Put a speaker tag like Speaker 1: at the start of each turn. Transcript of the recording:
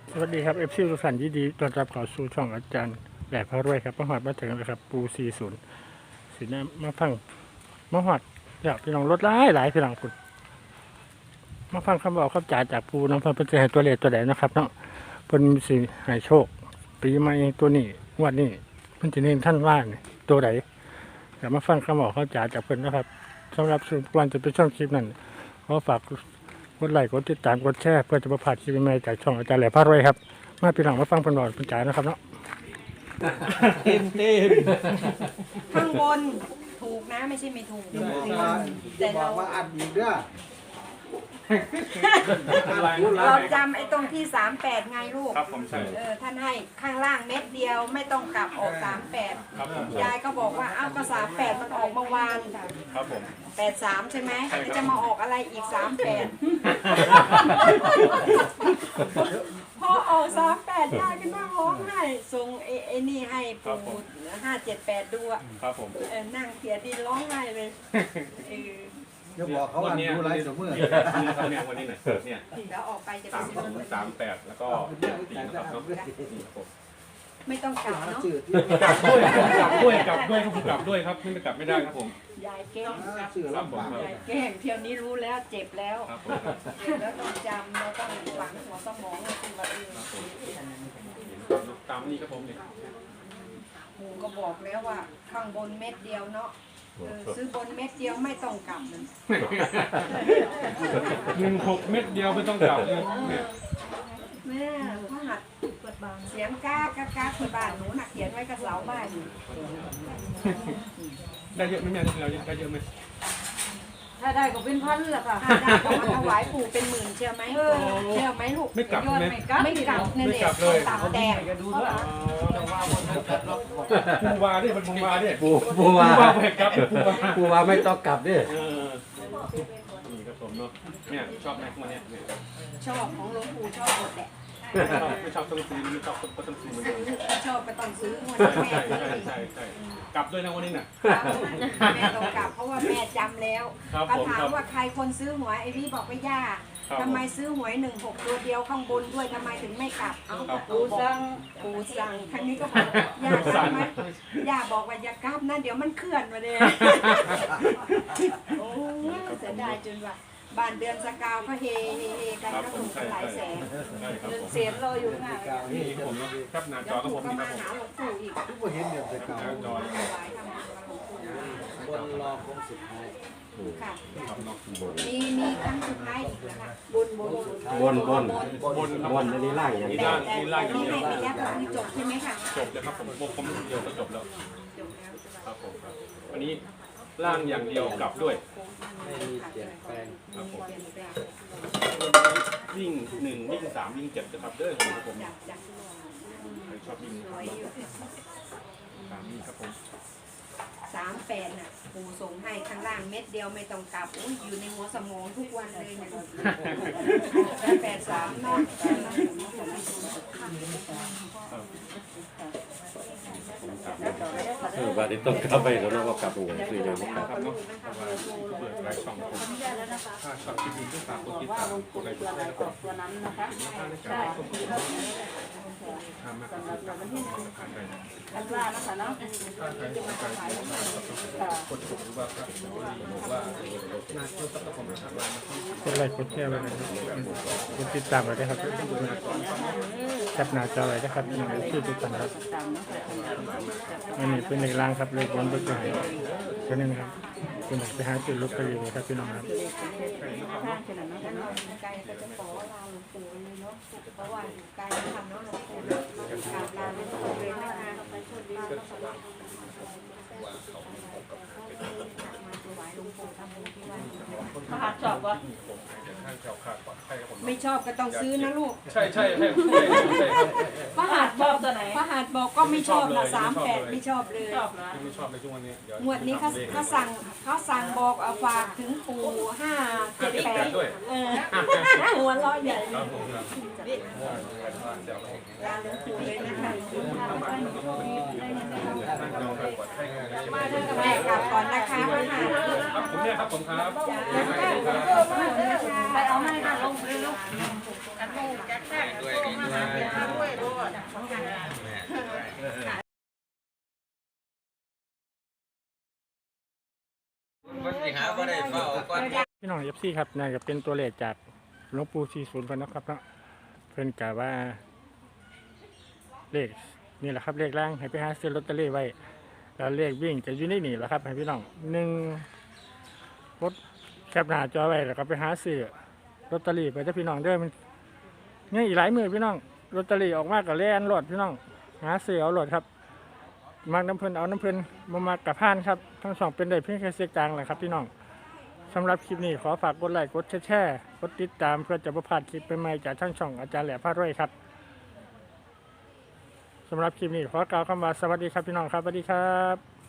Speaker 1: สวัสดีครับเอฟซีทุกท่านยินดีต้อนรับเข้าสู่ช่องอาจารย์แหลกพระรวยครับมาหอดมาถึงแล้วครับปู40สีน้ำมาฟังมาหอดอยากพี่น้องรถหลายพี่น้องคุณมาฟังคำบอกคำจ่าจากปูน้องเพิ่นเป็นจะให้ตัวเลขตัวใดนะครับเนาะเพิ่นสิให้โชคปีใหม่ตัวนี้งวดนี้เพิ่นจะเน้นท่านว่าเนี่ยตัวใดเดี๋ยวมาฟังคำบอกคำจ่าจากเพิ่นนะครับสำหรับทุกวันจะเป็นช่องคลิปนั้นขอฝากกดไลค์กดติดตามกดแชร์เพื่อจะมาผ่านคลิปใหม่จากช่องอาจารย์แหลกพระรวยครับมาพี่น้องมาฟังเพิ่นบอกเพิ่นจ่านะครับเนาะ
Speaker 2: เต็ม
Speaker 3: ข้างบนถูกนะไม่ใช่ไม่ถูก
Speaker 2: แต่เราว่าอันนี้เด้อ
Speaker 3: เราจำไอ้ตรงที่38ไงลูก
Speaker 4: ครับผมใช่
Speaker 3: ท่านให้ข้างล่างเม็ดเดียวไม่ต้องกลับออก38
Speaker 4: ครับผม
Speaker 3: ยายก็บอกว่าอ้าวก็38มันออกเมื่อวาน
Speaker 4: ครับผม
Speaker 3: 83ใช่ไหมแล้วจะมาออกอะไรอีก38พอออก38ยายก็นั่งร้องไห้ส่งไอ้นี่ให้ปู่578ดูอะ
Speaker 4: ครับผม
Speaker 3: นั่งเสียดินร้องไห้เลย
Speaker 2: จะบอกเขาว่าดูไรเสมอ
Speaker 4: ครับเนี่ยวันนี้หน่อยเนี่ย
Speaker 3: แล้วออกไปจะไปซื้อ
Speaker 4: 38แล้วก็ตีนะครับเนาะนี่ครับผม
Speaker 3: ไม่ต้องกลับเนาะ
Speaker 2: จืด
Speaker 4: กลับด้วยครับผมกลับด้วยครับไม่กลับไม่ได้ครับผม
Speaker 3: ยายแกล้ง
Speaker 2: จืดลำบาก
Speaker 3: ยายแกล้งเที่ยวนี้รู้แล้วเจ็บแล้ว
Speaker 4: ครับผม
Speaker 3: แล้วต้องจำแล้วต้องฝังหัวสมองคือว่า
Speaker 4: ตามนี้ครับผมเนี่ย
Speaker 3: หมูก็บอกแล้วว่าข้างบนเม็ดเดียวเนาะซื้อบนเม็ดเดียวไม่ต้องกลับมัน
Speaker 4: 16 เม็ดเดียวไม่ต้องกลับเลยเนี่ย
Speaker 3: แม่พหัดเสียงก้ากที่บ้านหนูน่ะเขียนไว้กับเสาบ้านอยู่
Speaker 4: ได้เยอะไหมแม่เราได้เยอะไหม
Speaker 5: ถ้าได้ก็เป็นพันแหละค่ะ
Speaker 3: ถ้าได้ก็มาถวายปู่เป็นหมื่นเชื่อไหมเชื่อไหมลูก
Speaker 4: ไม่กลับ
Speaker 5: ยอด
Speaker 4: ไหม
Speaker 5: ไม่กลับ
Speaker 3: ไม่กลับเนี่ย
Speaker 4: ไม่กลับเลย
Speaker 3: ตับแตก
Speaker 4: ปูวาดิมันปูวาดิ
Speaker 6: ปูว่า
Speaker 4: ไปกลับปูวา
Speaker 6: ปูว่าไม่ต้องกลับดิ
Speaker 4: นี่ครับผมเนาะเนี่ยชอบไหมพวกเนี้ย
Speaker 3: ชอบของหลวงปู่ชอบหมดแหละ
Speaker 4: ไม่ชอบต้องซื้อไม่ชอบก็ต้องซื้อเหมือนกัน
Speaker 3: ชอบก็ต้องซื้อวัน
Speaker 4: ใช่
Speaker 3: นี้แม่
Speaker 4: ใช่ใช่กลับด้วยนะวันนี้น่ะ
Speaker 3: แม่ต้องกลับเพราะว่าแม่จำแล้ว
Speaker 4: ครับ
Speaker 3: ก็
Speaker 4: ผม
Speaker 3: ถา
Speaker 4: ค
Speaker 3: ม
Speaker 4: รับ
Speaker 3: ว่าใครคนซื้อหวยไอ้พี่บอกว่าย่า
Speaker 4: ครับ
Speaker 3: ทำไมซื้อหวย16ตัวเดียวข้างบนด้วยทำไมถึงไม่กลับเอา
Speaker 4: ครับ
Speaker 3: ปู่สั่งครั้งนี้ก็บอกย่ากลับไหมย่าบอกว่าอย่ากลับนะเดี๋ยวมันเคลื่อนมาเลยโอ้ยเสียดายจนว่าบ้านเดือนสกาวเขาเฮกัน
Speaker 4: ครับ
Speaker 3: ก็
Speaker 4: ผ
Speaker 3: ถู
Speaker 4: ม
Speaker 3: ก
Speaker 4: ใช่
Speaker 3: หลายแสน
Speaker 4: ใช่ครับ
Speaker 5: เงิน
Speaker 4: ผม
Speaker 5: เสียรออยู่ค่ะ
Speaker 4: นี่ครับผมครับหน้าจ
Speaker 3: เดี๋ย
Speaker 4: อ
Speaker 3: ว
Speaker 4: ครับ
Speaker 3: ปู่
Speaker 4: ผม
Speaker 3: ก็
Speaker 4: นี่ค
Speaker 3: มา
Speaker 4: รับผม
Speaker 3: หาหลวงปู่อีก
Speaker 2: ทุกคนเห็นเดี๋ยวจะเก่า
Speaker 4: หน้าจอ
Speaker 3: ถวายทำบุญกับหลวงปู่
Speaker 2: บนรอคงสุดท้าย
Speaker 3: ค่ะ
Speaker 4: ครับเนาะ
Speaker 3: มีครั้งสุดท้ายอีกนะคะบน
Speaker 6: บน
Speaker 4: บนครับ
Speaker 6: บนอันนี้ล่างอย่าง
Speaker 4: นี่
Speaker 6: เดียว
Speaker 4: ล่างนี่ล่างอย่าง
Speaker 3: นี่
Speaker 4: เดียว
Speaker 3: ให้ระยะทางนี้จบใช่ไหมคะ
Speaker 4: จบเลยครับผมผมเดียวก็จบแล้ว
Speaker 3: จบแล้ว
Speaker 4: ครับผมครับวันนี้ล่างอย่างเดียวกลับด้วย
Speaker 2: ไม่มีเปลี่ยนแปลง
Speaker 4: ครับผมวิ่ง1วิ่ง3วิ่ง7นะครับเด้อครับผม
Speaker 3: จาก
Speaker 4: ใครชอบวิ่ง
Speaker 3: สวยอยู่
Speaker 4: 3วิ่งครับผม
Speaker 3: 38น่ะปู่ส่งให้ข้างล่างเม็ดเดียวไม่ต้องกลับอุ้ยอยู่ในหัวสมองทุกวันเลยเนี่ย83เนาะ
Speaker 6: บาดนี้ต้องกลับไปแล้วนะว่ากลับหัวคือเลย
Speaker 4: ครับเนาะเพราะว่าเปิดไลฟ์ช่องผมถ้าชอบคลิปนี้ก็ฝากกดติดตามกดไลค์กดแชร์แล้วก็
Speaker 5: ตัวนั้นนะคะ
Speaker 4: ถ้าในการส่งข้อมูลทำมากกว่าการผ่านไป
Speaker 5: อันว่านะคะเนาะ
Speaker 4: ถ้าใครสนใจกดถูกหรือว่าครับหรือว่าน่าเชื่อสักคนนะครับว่าก
Speaker 1: ดไลค์กดแชร์ไว้นะครับกดติดตามไว้ด้วยครับแคปหน้าจอไว้นะครับพี่น้องชื่อทุกท่านครับ
Speaker 5: ตามเนาะ
Speaker 1: อันนี้เป็นเลขล่างครับเลขบนเบอร์ไหนก็นี่นะครับคุณไปหาจุดลบไปอยู่ครับพี่น้องครับ
Speaker 5: ข้างขนาดนั้นเนาะ
Speaker 3: ไกลก็จะขอลาหลวงปู่เลยเนาะเพราะว่าอยู่ไกลทำเนาะหลวงปู่กราบลาหลวงปู่เลยนะคะมาถวายหลวงปู่ทำบุญที่วัด
Speaker 5: มหาชอบวะ
Speaker 4: ท่านแถวขาดปลอดภัยครับผม
Speaker 3: ไม่ชอบก็ต้องซื้อนะลูก
Speaker 4: ใช่ครับ
Speaker 3: พระหัตถ์
Speaker 5: ชอบตัวไหน
Speaker 3: พระหัตถ์บอกก็ไม่ชอบนะ38ไม่ชอบเลย
Speaker 5: ชอบนะ
Speaker 4: ไม่ชอบในช่วงวันนี้เดี๋ยว
Speaker 3: งวดนี้เขาสั่งบอกเอาฝากถึงปู่578
Speaker 4: ด้วย
Speaker 3: หัวเราะใหญ่
Speaker 4: ครับผมครับ
Speaker 3: ลาหลวงปู่เลยนะคะ แม่กลับก่อนนะคะพระหัตถ์
Speaker 4: ครับผมเนี่ยครับผมครับ
Speaker 5: ไปเอาให้ค่ะลงเลยลูก
Speaker 3: แ
Speaker 2: มันสิหาบ่ได้เฝ้าก่อน
Speaker 1: พี่น้องเอฟซีครับน่าจะเป็นตัวเลขจากหลวงปู่40เพิ่นนะครับเนาะเพิ่นกะว่าเลขนี่แหละครับเลขล่างให้ไปหาซื้อลอตเตอรี่ไว้แล้วเลขวิ่งจะอยู่ในนี่แหละครับให้พี่น้อง1รถแคปหน้าจอไว้แล้วก็ไปหาซื้อลอตเตอรี่ไปถ้าพี่น้องเด้อมันยังอีกหลายมือพี่น้องลอตเตอรี่ออกมาก็แล่นรถพี่น้องหาซื้อเอารถครับมักน้ำเพิ่นเอาน้ำเพิ่นบ่มักกะพานครับทั้งสองเป็นได้เพียงแค่เสียกลางแหละครับพี่น้องสำหรับคลิปนี้ขอฝากกดไลค์กดแชร์กดติดตามเพื่อจะประพลาดคลิปใหม่ๆจากทั้งช่องอาจารย์แหล่พารวยครับสำหรับคลิปนี้ขอกล่าวคำว่าสวัสดีครับพี่น้องครับสวัสดีครับ